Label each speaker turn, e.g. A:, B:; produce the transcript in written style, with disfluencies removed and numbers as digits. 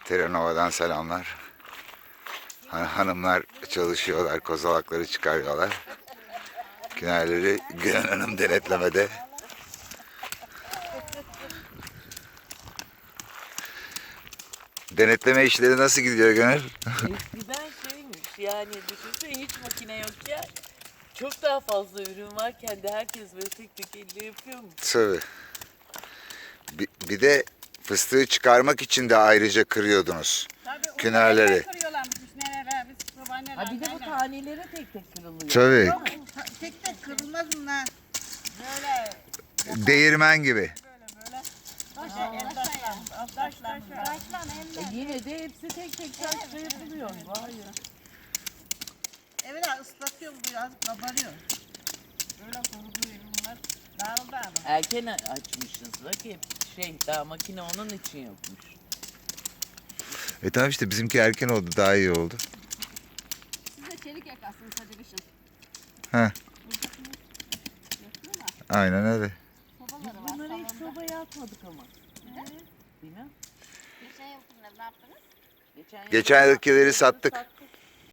A: Terranova'dan selamlar. Hanımlar çalışıyorlar, kozalakları çıkarıyorlar. Günerleri Gülen Hanım denetlemede. Denetleme işleri nasıl gidiyor Güner?
B: Eskiden şeymiş yani düşünsene hiç makine yokken çok daha fazla ürün varken de herkes böyle tek tek elle yapıyor mu?
A: Tabii. Bir de fıstığı çıkarmak için de ayrıca kırıyordunuz.
C: Tabii
A: Künerleri.
C: kırıyorlarmış neler biz babaanneler.
B: Ha bir de bu taneleri tek tek kırılıyor.
A: Tabii.
C: Tek tek kırılmaz bunlar. Böyle
A: Değirmen gibi.
C: böyle. Taşlan
B: Yine de hepsi tek tek taşla yapılıyor. Vay ya.
C: Evet ıslatıyorum bu yaz kabarıyor. Böyle kuruduğu bunlar dağıldı ama.
B: Erken açmışsınız bak hep daha makine onun için yapmış.
A: Tamam işte bizimki erken oldu, daha iyi oldu.
D: Siz de çelik yakarsınız hadi kışın.
A: Heh. Aynen öyle.
D: Sobaları var
B: Bunları hiç
D: salonda.
B: sobaya atmadık ama. Bilmem.
D: Geçen yıl ne yaptınız?
B: Geçen yıl
A: Geçen yılkileri sattık.